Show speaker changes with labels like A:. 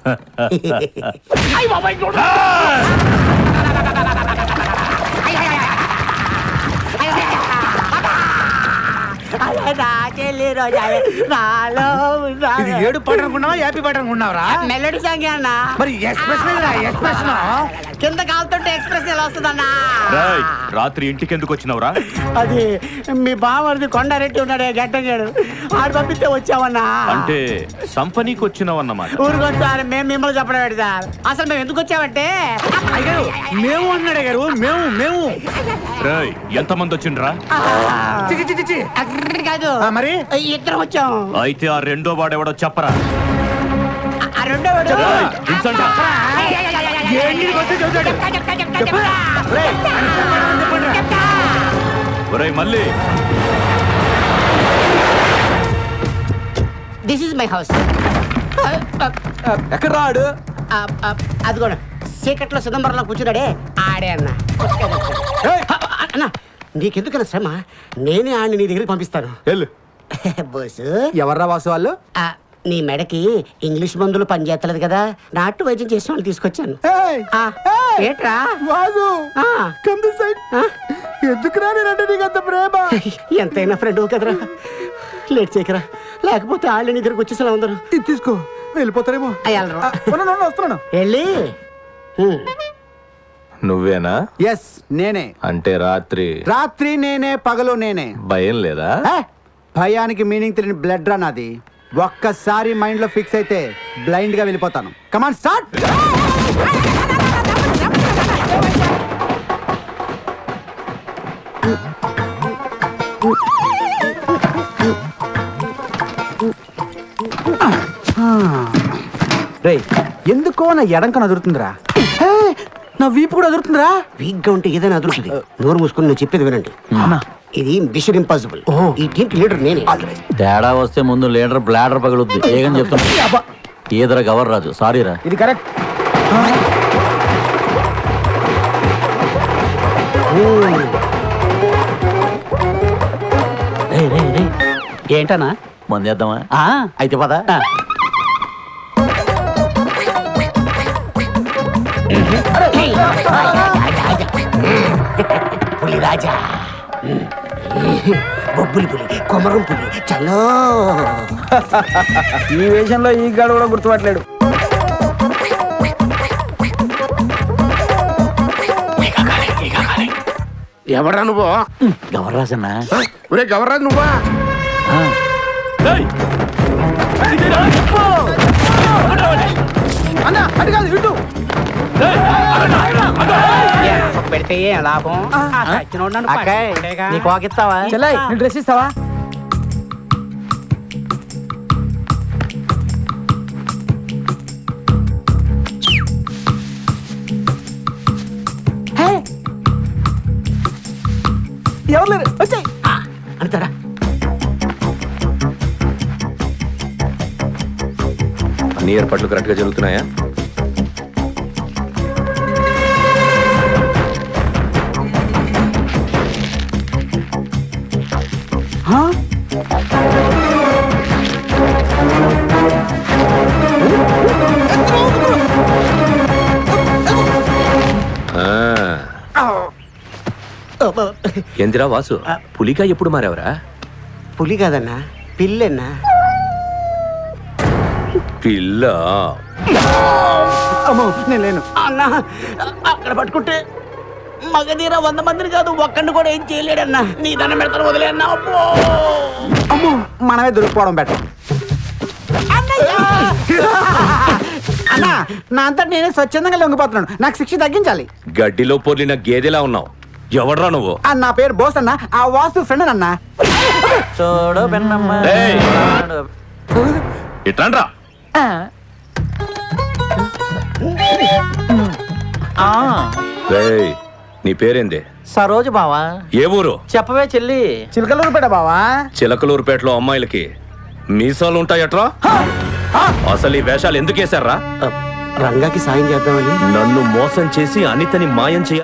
A: ఏడు పాట అనుకున్నావా హ్యాపీ పాట అనుకున్నావరా?
B: మెలోడీ సాంగ్ అన్నా.
A: మరి ఎక్స్ప్రెషన్
B: కింద కాలుతుంటే ఎక్స్ప్రెస్ ఎలా వస్తుందన్నా?
C: రాత్రి ఇంటికి ఎందుకు వచ్చినావురా?
B: అది మీ బావది కొండారెడ్డి ఉన్నాడే గట్టంగాడు, ఆడు పంపిస్తే వచ్చామన్నా.
C: అంటే సంపనీకి వచ్చినావన్నమాట.
B: ఊరుకొచ్చు సార్, మేము మిమ్మల్ని చెప్పడం సార్. అసలు మేము ఎందుకు వచ్చామంటే
A: మేము అన్నాడే గారు. మేము
C: ఎంతమంది వచ్చిండ్రా?
B: కాదు
A: మరి
B: ఇద్దరం వచ్చాం.
C: అయితే ఆ రెండో వాడెవడో చెప్పరా?
B: ఆ రెండో వాడు
C: మళ్ళీ
B: దిస్ ఇస్ మై హౌస్.
A: ఎక్కడ రాడు?
B: అది కూడా చీకట్లో సిదంబరంలో కూర్చున్నాడే ఆడే అన్న. అన్న నీకెందుకన్నా శ్రమ, నేనే ఆడిని నీ దగ్గరికి పంపిస్తాను. బోసు
A: ఎవర్రా వాసు వాళ్ళు?
B: నీ మెడకి ఇంగ్లీష్ మందులు పనిచేస్తలేదు కదా, నాటు వైద్యం చేసిన వాళ్ళు తీసుకొచ్చాను. ఏట్రా
A: వాసు ఎందుకురా నేనంటే నీకు అంత ప్రేమ?
B: ఎంతైనా ఫ్రెండ్ కదరా, లేట్ చేయకరా, లేకపోతే వాళ్ళు నీ దగ్గరకు వచ్చేసేలా ఉందరు.
A: ఇది తీసుకో, వెళ్ళిపోతారేమో. వస్తున్నాను.
B: వెళ్ళి
C: నువ్వేనా?
A: ఎస్ నేనే.
C: అంటే
A: రాత్రి నేనే, పగలు నేనే.
C: భయం లేదా?
A: భయానికి మీనింగ్ తెలియని బ్లడ్ రా నాది. ఒక్కసారి మైండ్ లో ఫిక్స్ అయితే బ్లైండ్ గా వెళ్ళిపోతాను. Come on start. రేయ్, ఎందుకో నా ఎడంకన అదురుతుందిరా. నా వీపు కూడా అదురుతుందిరా.
B: వీక్ గా ఉంటే ఏదైనా అదురుతుంది. నోరు మూసుకుని నేను చెప్పేది వినండి. ఇది మిషన్ ఇంపాసిబుల్. ఈ టీంకి లీడర్ నేనే.
D: తేడా వస్తే ముందు లీడర్ బ్లాడర్ పగులుద్ది. ఏగని చెప్తున్నా ఈదర గవర్ రాజు. సారీరా.
A: ఇది కరెక్ట్.
B: ఏంటనా
D: మందేద్దామా? అయితే పద.
B: పులి రాజా, బొబ్బులి పులి, కొమరం పులి, చలో.
A: ఈ వేషంలో ఈ గాడు కూడా గుర్తుపట్టలేడు.
E: ఎవరా నువ్వు?
D: గవర్రాజన్నా.
E: ఒరే గవర్రాజు నువ్వా?
A: అన్నా అటు కాదు ఇటు.
B: పెడితే లాభం.
D: నీకు వాకిస్తావా?
A: చెల్లై నీ డ్రెస్ ఇస్తావా? ఎవరు లేరు, వచ్చాయి
B: అంటారా?
C: అన్ని ఏర్పాట్లు కరెక్ట్ గా జరుగుతున్నాయా? ఎందిరా వాసు, పులిగా ఎప్పుడు మారావరా?
B: పులి కాదన్నా, పిల్లన్నా.
C: పిల్ల?
A: అమ్మో నేను లేను
B: అన్నా. అక్కడ పట్టుకుంటే మగధీర 100 మందిని కాదు ఒక్కడిని కూడా ఏం చేయలేడన్నా. నీ దండం పెడతాను, వదిలే అన్నా.
A: అమ్మో మనమే దొరికిపోవడం బెటర్. అన్నా నా అంతా నేనే స్వచ్ఛందంగా లొంగిపోతున్నాను. నాకు శిక్ష తగ్గించాలి.
C: గడ్డిలో పొర్లిన గేదెలా ఉన్నావు. ఎవడ్రా నువ్వు?
A: నా పేరు బోస్ అన్న, ఆ వాసు ఫ్రెండ్ అన్న.
D: చూడు పెన్నమ్మ.
C: ఇట్లా నీ పేరేంది?
D: సరోజు బావా.
C: ఏ ఊరు?
D: చెప్పవే చెల్లి.
A: చిలకలూరుపేట బావా.
C: చిలకలూరుపేటలో అమ్మాయిలకి మీసాలు ఉంటాయట్రా? అసలు ఈ వేషాలు ఎందుకు వేశారా?
B: రంగాకి సాయం చేద్దామని.
C: నన్ను మోసం చేసి అనితని మాయం చేయ